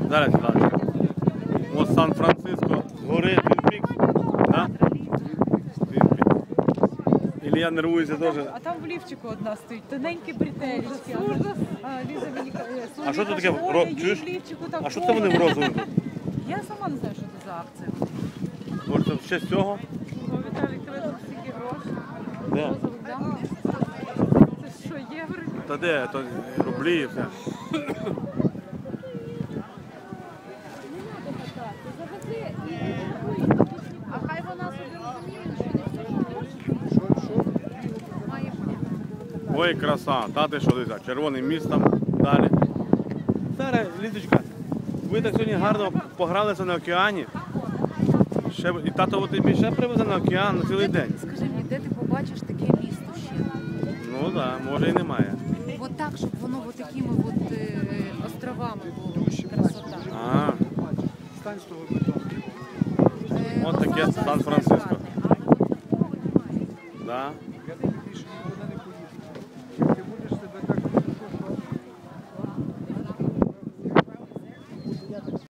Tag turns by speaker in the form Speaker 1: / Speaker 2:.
Speaker 1: Зараз, Світланочка. Ось Сан-Франциско згори, Твін Пікс. Да? Твін Пікс. Ілля нервується теж.
Speaker 2: А там в лівчику одна стоїть, тоненькі бретелечки. Ліза мені каже,
Speaker 1: А що це таке? Чуєш? А що це
Speaker 2: вони
Speaker 1: вони в розовому?
Speaker 2: Я сама не знаю, що це за акція.
Speaker 1: Може це ще з цього?
Speaker 2: Віталій, тебе стільки грошей.
Speaker 1: Де?
Speaker 2: Розових, да? Це що, євро?
Speaker 1: Та де? То рублі і все.
Speaker 2: А хай вона собі розуміє, що не має бути.
Speaker 1: Ой, краса. Та ти що, дивися, червоний міст там далі. Зараз, Лізочка, ви так сьогодні гарно погралися на океані. І тато тобі ще привезе на океан на цілий день.
Speaker 2: Скажи мені, де ти побачиш таке місто ще?
Speaker 1: Ну так, да, може і немає.
Speaker 2: От так, щоб воно от такими от островами було. Красота.
Speaker 1: А,
Speaker 3: Стань з того бетону.
Speaker 1: от таке Сан-Франциско.
Speaker 2: Але от такого немає.
Speaker 1: Да?
Speaker 3: Я тобі більше не